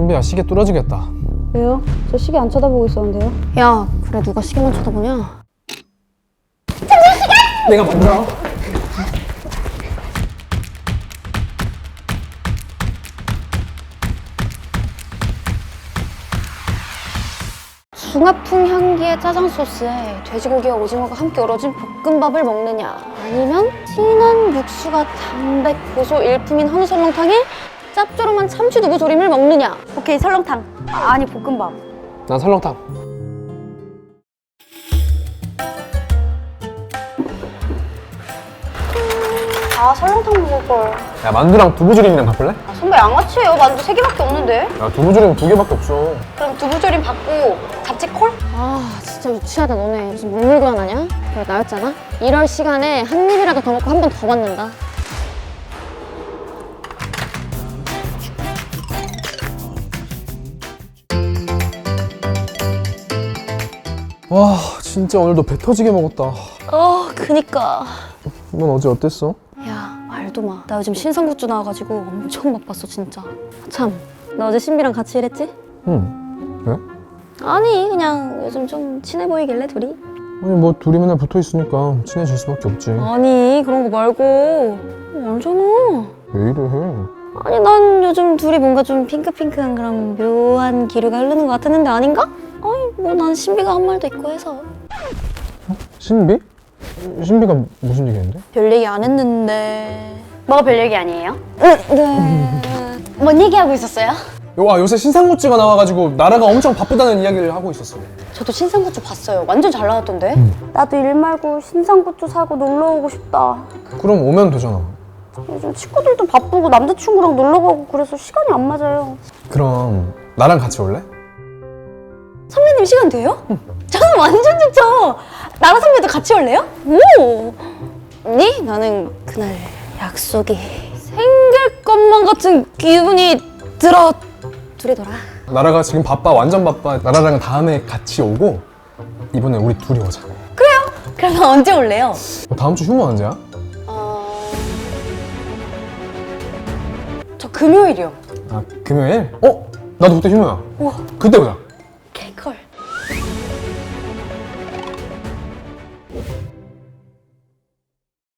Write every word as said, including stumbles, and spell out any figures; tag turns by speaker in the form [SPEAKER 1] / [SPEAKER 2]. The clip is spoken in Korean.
[SPEAKER 1] 신비야, 시계 뚫어지겠다.
[SPEAKER 2] 왜요? 저 시계 안 쳐다보고 있었는데요.
[SPEAKER 3] 야, 그래 누가 시계만 쳐다보냐?
[SPEAKER 1] 내가 먼저.
[SPEAKER 3] 중화풍 향기의 짜장 소스에 돼지고기와 오징어가 함께 어우러진 볶음밥을 먹느냐, 아니면 진한 육수가 담백 고소 일품인 한우 설렁탕에 짭조름한 참치 두부 조림을 먹느냐.
[SPEAKER 2] 오케이, 설렁탕. 아, 아니, 볶음밥.
[SPEAKER 1] 난 설렁탕.
[SPEAKER 2] 아, 설렁탕 먹을걸.
[SPEAKER 1] 야, 만두랑 두부조림이랑 바꿀래?
[SPEAKER 2] 아, 선배 양아치예요. 만두 세 개밖에 없는데.
[SPEAKER 1] 야, 두부조림 두 개밖에 없어.
[SPEAKER 2] 그럼 두부조림 받고 잡채콜?
[SPEAKER 3] 아, 진짜 유치하다 너네. 무슨 물물교환 하냐? 그래, 나였잖아. 이럴 시간에 한 입이라도 더 먹고 한 번 더 받는다.
[SPEAKER 1] 와, 진짜 오늘도 배 터지게 먹었다.
[SPEAKER 3] 어, 그니까.
[SPEAKER 1] 넌 어제 어땠어?
[SPEAKER 3] 야, 말도 마. 나 요즘 신상 굿즈 나와가지고 엄청 바빴어, 진짜. 참, 너 어제 신비랑 같이 일했지?
[SPEAKER 1] 응. 왜?
[SPEAKER 3] 아니, 그냥 요즘 좀 친해 보이길래, 둘이?
[SPEAKER 1] 아니, 뭐 둘이 맨날 붙어 있으니까 친해질 수밖에 없지.
[SPEAKER 3] 아니, 그런 거 말고. 알잖아.
[SPEAKER 1] 왜 이래 해?
[SPEAKER 3] 아니, 난 요즘 둘이 뭔가 좀 핑크핑크한 그런 묘한 기류가 흐르는 것 같았는데 아닌가? 아니, 뭐 난 신비가 한 말도 있고 해서.
[SPEAKER 1] 신비? 신비가 무슨 얘기했는데?
[SPEAKER 3] 별 얘기 안 했는데.
[SPEAKER 2] 뭐가 별 얘기 아니에요?
[SPEAKER 3] 응, 네.
[SPEAKER 2] 뭔 얘기하고 있었어요?
[SPEAKER 1] 와, 요새 신상 굿즈가 나와가지고 나라가 엄청 바쁘다는 이야기를 하고 있었어.
[SPEAKER 3] 저도 신상 굿즈 봤어요. 완전 잘 나왔던데?
[SPEAKER 2] 나도 일 말고 신상 굿즈 사고 놀러 오고 싶다.
[SPEAKER 1] 그럼 오면 되잖아.
[SPEAKER 2] 요즘 친구들도 바쁘고 남자친구랑 놀러 가고 그래서 시간이 안 맞아요.
[SPEAKER 1] 그럼 나랑 같이 올래?
[SPEAKER 3] 선배님 시간 돼요? 저는 완전 좋죠. 나랑 선배도 같이 올래요? 오. 니? 나는 그날 약속이 생길 것만 같은 기분이 들어. 둘이더라.
[SPEAKER 1] 나라가 지금 바빠, 완전 바빠. 나라랑 다음에 같이 오고 이번에 우리 둘이 오자.
[SPEAKER 3] 그러면 언제 올래요?
[SPEAKER 1] 어, 다음 주 휴무 언제야?
[SPEAKER 3] 어... 저 금요일이요.
[SPEAKER 1] 아, 금요일? 어? 나도 그때 휴무야.
[SPEAKER 3] 우와.
[SPEAKER 1] 그때 보자.